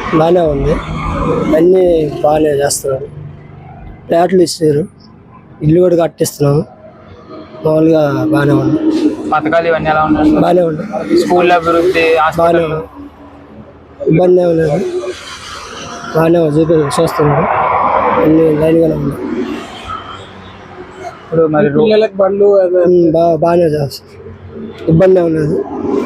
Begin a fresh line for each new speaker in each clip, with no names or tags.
బాగానే ఉంది, అన్నీ బాగానే చేస్తున్నారు. ఫ్లాట్లు ఇస్తారు, ఇల్లు కూడా కట్టిస్తున్నాము. మామూలుగా బాగానే ఉంది.
పథకాలు ఇవన్నీ ఎలా ఉన్నాయి?
బాగానే ఉంది.
స్కూల్ అభివృద్ధి,
బాగానే
హాస్పిటల్
ఉంది, ఇబ్బంది ఏమి లేదు. బాగానే చూస్తున్నారు, అన్ని లైన్గానే ఉంది.
ఇప్పుడు మరి
పిల్లలకు బండ్లు
బాగానే చేస్తారు, ఇబ్బంది ఏమి లేదు.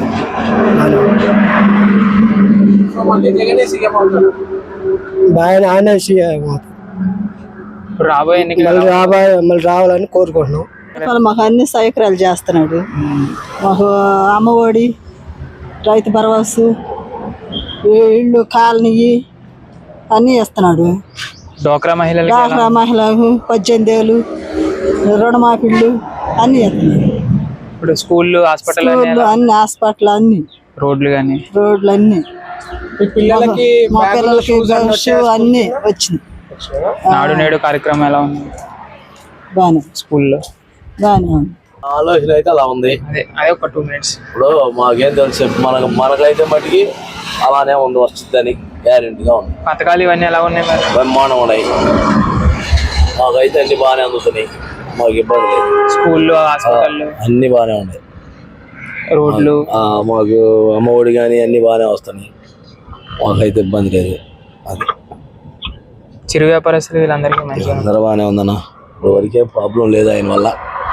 బాగానే ఆయన
ఇప్పుడు రాబోయే ఎన్నికలు
మళ్ళీ రావాలని కోరుకుంటున్నాం.
మాకు అన్ని సౌకర్యాలు చేస్తున్నాడు. మాకు అమ్మఒడి, రైతు భరోసా, ఇళ్ళు కాలనీ అన్నీ ఇస్తున్నాడు.
డోక్రా మహిళలకు
డాక్రా మహిళలకు 18 ఏళ్ళు రుణమాఫీళ్ళు అన్నీ ఇస్తున్నాడు.
ఇప్పుడు స్కూళ్ళు, హాస్పిటల్
అన్ని హాస్పిటల్, అన్ని
రోడ్లు కానీ
రోడ్లు అన్ని
పిల్లలకి
మా పిల్లలకి షూ అన్ని వచ్చింది.
నాడు నేడు కార్యక్రమం ఎలా ఉంది
బాగానే
స్కూల్లో?
బాగానే ఉంది.
ఆలోచన అయితే అలా ఉంది.
అదే ఒక 2 minutes.
ఇప్పుడు మాకేం తెలుసు, మనకైతే మటుకి అలానే ఉంది, వస్తుందని గ్యారెంటీగా ఉంది.
పథకాలు ఇవన్నీ ఎలా ఉన్నాయి మరి?
బ్రహ్మాండం ఉన్నాయి, మాకైతే అన్ని బాగానే అందుతున్నాయి, మాకు ఇబ్బంది లేదు.
స్కూళ్ళు, హాస్పిటల్
అన్ని బాగానే ఉన్నాయి,
రోడ్లు,
మాకు అమ్మఒడి కానీ అన్ని బాగానే వస్తున్నాయి, మాకైతే ఇబ్బంది లేదు. అది
చిరు వ్యాపారస్తులు వీళ్ళందరికీ మంచిగా
అందరూ బాగానే ఉందన్న, ఇప్పుడు వరకే ప్రాబ్లం లేదు ఆయన వల్ల.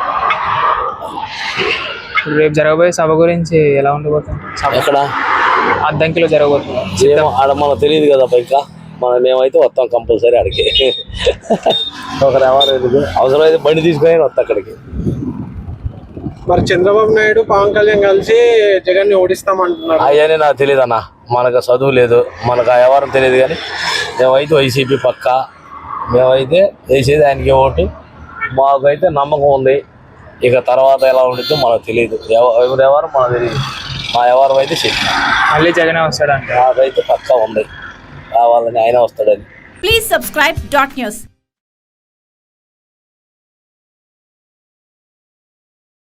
రేపు జరగబోయే సభ గురించి ఎలా ఉండబోతుంది?
ఎక్కడ
అద్దంకిలో జరగబోతుంది.
ఆడ మనకు తెలియదు కదా, ఇంకా మేమైతే వస్తాం కంపల్సరీ అక్కడికి. ఒకరు ఎవరు ఎందుకు అవసరమైతే బండి తీసుకొని వస్తాం అక్కడికి.
మరి చంద్రబాబు నాయుడు, పవన్ కళ్యాణ్ కలిసి జగన్ ని ఓడిస్తామంటున్నారు.
అవన్నీ నాకు తెలియదు అన్న, మనకు చదువు లేదు, మనకు ఆ వ్యవహారం తెలియదు. కానీ మేమైతే వైసీపీ పక్క, మేమైతే వేసేది ఆయనకి ఓటు. మాకైతే నమ్మకం ఉంది, ఇక తర్వాత ఎలా ఉంటుందో మనకు తెలియదు, ఎవరి వ్యవహారం మనకు తెలియదు. మా వ్యవహారం అయితే చెప్పి
మళ్ళీ జగనే వస్తాడంటే
నాకైతే పక్కా ఉంది, కావాలని ఆయన వస్తాడని.
Please subscribe .news.